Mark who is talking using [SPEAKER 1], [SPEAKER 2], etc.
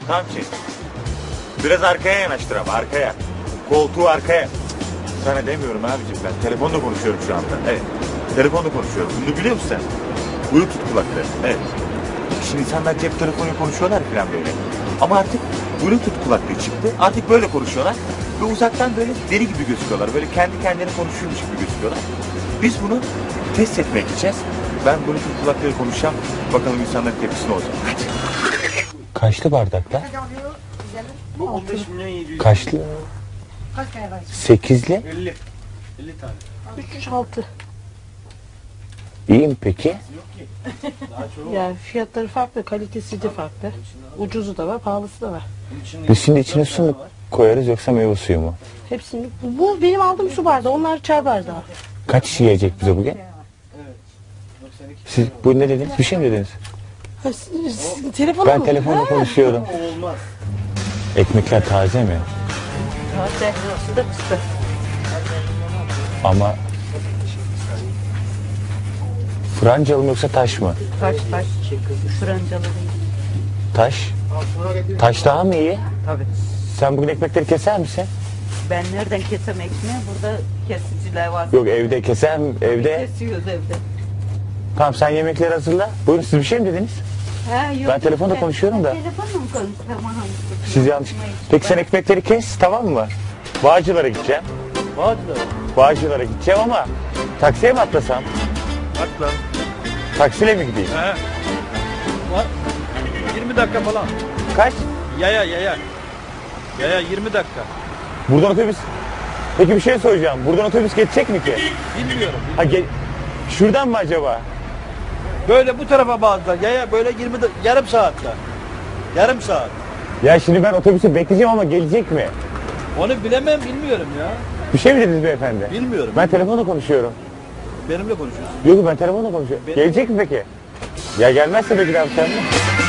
[SPEAKER 1] Tam şey. Biraz arkaya yanaştır ama arkaya. Koltuğu arkaya. Sana demiyorum abicim, ben telefonla konuşuyorum şu anda. Evet. Telefonla konuşuyorum. Bunu biliyor musun sen? Bluetooth kulakları. Evet. Şimdi insanlar cep telefonuyla konuşuyorlar falan böyle. Ama artık Bluetooth kulaklığı çıktı. Artık böyle konuşuyorlar. Ve uzaktan böyle deli gibi gözüküyorlar. Böyle kendi kendine konuşuyormuş gibi gözüküyorlar. Biz bunu test etmeye gideceğiz. Ben Bluetooth kulaklığı konuşacağım. Bakalım insanların tepkisi ne olacak. Hadi. Kaçlı bardaklar?
[SPEAKER 2] Bu 15 milyon 700.
[SPEAKER 1] Kaçlı?
[SPEAKER 3] Kaç tane var?
[SPEAKER 1] 8'li.
[SPEAKER 2] 50 tane.
[SPEAKER 3] 306.
[SPEAKER 1] İyi mi peki?
[SPEAKER 2] Yok ki. Daha çok.
[SPEAKER 3] Yani fiyatları farklı, kalitesi de farklı. Ucuzu da var, pahalısı da var.
[SPEAKER 1] Biz şimdi içine su mu koyarız yoksa meyve suyu mu?
[SPEAKER 3] Hepsini. Bu benim aldığım su bardağı, onlar çay bardağı.
[SPEAKER 1] Kaç kişi yiyecek bize bugün? Siz bu ne dediniz? Bir şey mi dediniz?
[SPEAKER 3] Telefonu
[SPEAKER 1] Ben
[SPEAKER 3] mu?
[SPEAKER 1] telefonla konuşuyorum.
[SPEAKER 2] Olmaz.
[SPEAKER 1] Ekmekler taze mi?
[SPEAKER 3] Taze, sıcak sıcak.
[SPEAKER 1] Ama Francalı mı yoksa taş mı?
[SPEAKER 3] Taş. Francalı değil.
[SPEAKER 1] Taş. Taş daha mı iyi?
[SPEAKER 4] Tabii.
[SPEAKER 1] Sen bugün ekmekleri keser misin?
[SPEAKER 4] Ben nereden kesem ekmeği? Burada kesiciler var.
[SPEAKER 1] Yok evde keser mi? Evde.
[SPEAKER 4] Kesiyoruz evde.
[SPEAKER 1] Tamam sen yemekleri hazırla. Buyurun siz bir şey mi dediniz?
[SPEAKER 4] Ha, yok,
[SPEAKER 1] Ben telefonla konuşuyorum da.
[SPEAKER 4] Telefonla mı konuşuyorum? Tamam.
[SPEAKER 1] Siz yanlış. Peki sen ekmekleri kes tamam mı? Bağcılar'a gideceğim.
[SPEAKER 2] Bağcılar.
[SPEAKER 1] Bağcılar'a gideceğim ama taksiye mi atlasam?
[SPEAKER 2] Bak lan.
[SPEAKER 1] Taksiyle mi gideyim?
[SPEAKER 2] He. Var. 20 dakika falan.
[SPEAKER 1] Kaç?
[SPEAKER 2] Yaya. Yaya 20 dakika.
[SPEAKER 1] Buradan otobüs. Peki bir şey soracağım. Buradan otobüs geçecek mi ki?
[SPEAKER 2] Bilmiyorum.
[SPEAKER 1] Ha şuradan mı acaba?
[SPEAKER 2] Böyle bu tarafa bağladılar. Yaya böyle yarım saatte. Yarım saat.
[SPEAKER 1] Ya şimdi ben otobüsü bekleyeceğim ama gelecek mi?
[SPEAKER 2] Onu bilemem, bilmiyorum ya.
[SPEAKER 1] Bir şey mi dediniz beyefendi?
[SPEAKER 2] Bilmiyorum.
[SPEAKER 1] Ben telefonla konuşuyorum.
[SPEAKER 2] Benimle konuşuyorsun.
[SPEAKER 1] Yok ben telefonla konuşuyorum.
[SPEAKER 2] Benim-
[SPEAKER 1] Gelecek mi peki? Ya gelmezse peki ne yapacağım?